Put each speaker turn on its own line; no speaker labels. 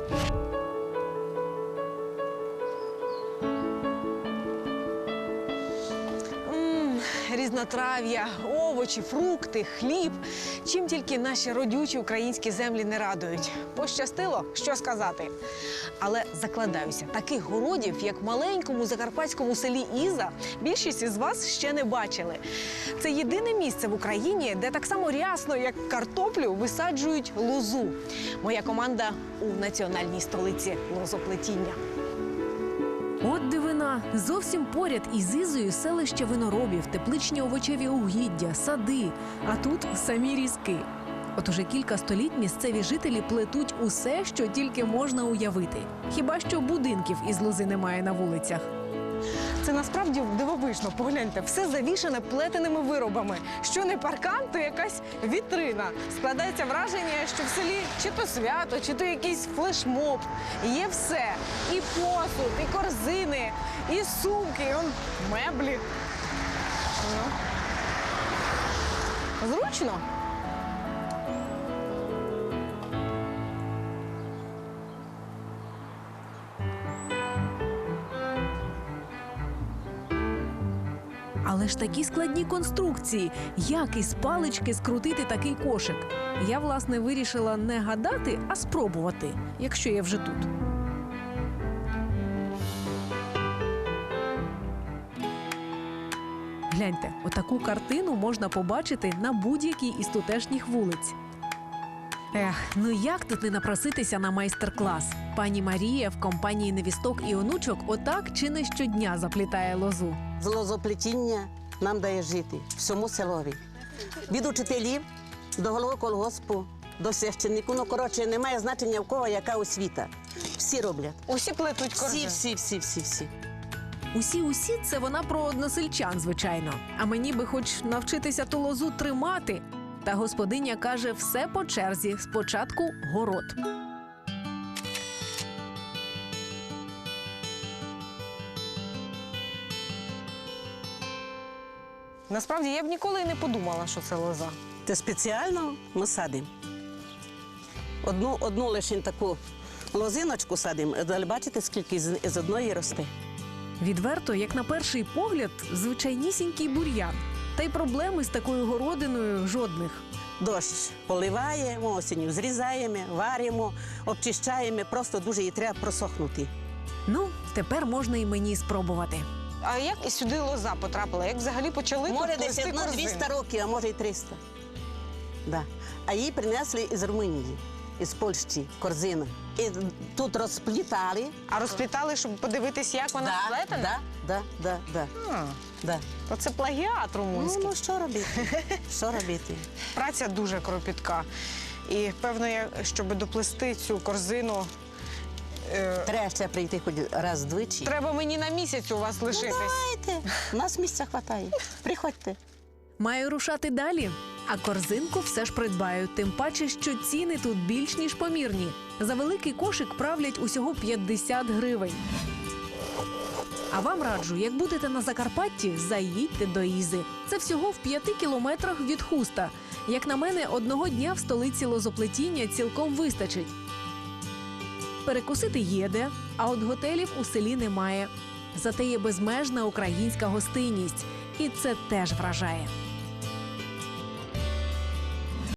Різнотрав'я, овочі, фрукти, хліб. Чим тільки наші родючі українські землі не радують. Пощастило, що сказати. Але закладаюся, таких городів, як в маленькому закарпатському селі Іза, більшість із вас ще не бачили. Це єдине місце в Україні, де так само рясно, як картоплю, висаджують лозу. Моя команда у національній столиці лозоплетіння. От дивина. Зовсім поряд із Ізою селище виноробів, тепличні овочеві угіддя, сади. А тут самі різки. От уже кілька століть місцеві жителі плетуть усе, що тільки можна уявити. Хіба що будинків із лози немає на вулицях. Це насправді дивовижно. Погляньте, все завішане плетеними виробами. Що не паркан, то якась вітрина. Складається враження, що в селі чи то свято, чи то якийсь флешмоб. Є все. І посуд, і корзини, і сумки, і меблі. Зручно. Але ж такі складні конструкції. Як із палички скрутити такий кошик? Я, власне, вирішила не гадати, а спробувати, якщо я вже тут. Гляньте, отаку картину можна побачити на будь-якій із тутешніх вулиць. Ну як тут не напроситися на майстер-клас? Пані Марія в компанії невісток і онучок отак чи не щодня заплітає лозу.
З лозоплетіння нам дає жити всьому селові. Від учителів до голови колгоспу, до священнику. Ну, коротше, немає значення в кого яка освіта. Всі роблять.
Усі плетуть корзини?
Всі.
Усі – це вона про односельчан, звичайно. А мені би хоч навчитися ту лозу тримати. Та господиня каже, все по черзі. Спочатку город. Насправді, я б ніколи не подумала, що це лоза.
Це спеціально ми садимо. Одну лише таку лозиночку садимо, але бачите, скільки з одної росте.
Відверто, як на перший погляд, звичайнісінький бур'ян. Та й проблеми з такою городиною жодних.
Дощ поливаємо, осінню зрізаємо, варимо, обчищаємо, просто дуже її треба просохнути.
Ну, тепер можна і мені спробувати. А як і сюди лоза потрапила? Як взагалі почали тут плести корзини?
Може, десь 200 років, а може і 300. Да. А її принесли із Румунії, із Польщі, корзину. І тут розплітали.
А розплітали, щоб подивитись, як вона сплетена?
Да.
То це плагіат румунський.
Ну, що робити? Що робити?
Праця дуже кропітка. І, певно, щоб доплести цю корзину...
Треба ще прийти хоч раз-двічі.
Треба мені на місяць у вас лишитись.
Ну, давайте. У нас місця вистачає. Приходьте.
Маю рушати далі. А корзинку все ж придбаю. Тим паче, що ціни тут більш ніж помірні. За великий кошик правлять усього 50 гривень. А вам раджу, як будете на Закарпатті, заїдьте до Ізи. Це всього в 5 кілометрах від Хуста. Як на мене, одного дня в столиці лозоплетіння цілком вистачить. Перекусити є де, а от готелів у селі немає. Зате є безмежна українська гостинність. І це теж вражає.